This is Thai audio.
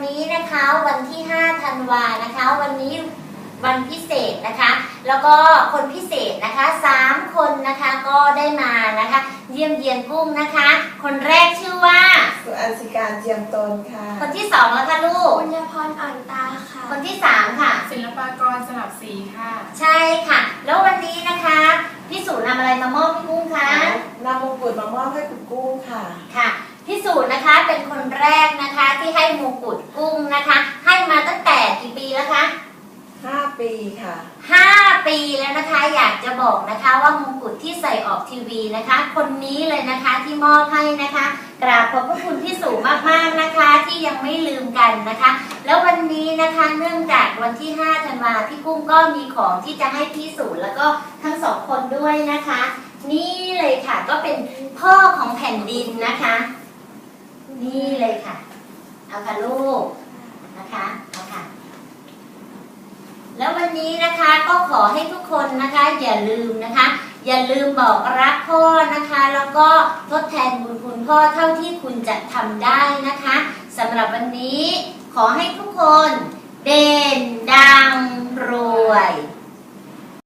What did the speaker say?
นี้นะคะวันที่5ธันวานะคะวันนี้วันพิเศษนะคะแล้วก็คนพิเศษนะคะ3คนนะคะก็ได้มานะคะเยี่ยมเยียนกุ้งนะคะคนแรกชื่อว่าสุอัญชิการเจียมตนค่ะคนที่2แล้วค่ะลูกปุญญพรอ่อนตาค่ะคนที่3ค่ะศิลปากรสลับสีค่ะใช่ค่ะแล้ววันนี้นะคะพี่สุนำอะไรมามอบให้กุ้งคะนำมงกุฎมามอบให้คุณกุ้งค่ะค่ะพี่สุนะคะเป็นคนแรกนะคะที่ให้มงกุฎกุ้งนะคะให้มาตั้งแต่กี่ปีแล้วคะ 5 ปีค่ะ 5 ปีแล้วนะคะอยากจะบอกนะคะว่ามงกุฎที่ใส่ออกทีวีนะคะคนนี้เลยนะคะที่มอบให้นะคะกราบขอบพระคุณพี่สุมากๆนะคะที่ยังไม่ลืมกันนะคะแล้ววันนี้นะคะเนื่องจากวันที่5ธันวาพี่กุ้งก็มีของที่จะให้พี่สุแล้วก็ทั้ง2คนด้วยนะคะนี่เลยค่ะก็เป็นพ่อของแผ่นดินนะคะนี่เลยค่ะเอาค่ะลูกนะคะเอาค่ะแล้ววันนี้นะคะก็ขอให้ทุกคนนะคะอย่าลืมนะคะอย่าลืมบอกรักพ่อนะคะแล้วก็ทดแทนบุญคุณพ่อเท่าที่คุณจะทำได้นะคะสำหรับวันนี้ขอให้ทุกคนเด่นดังรวย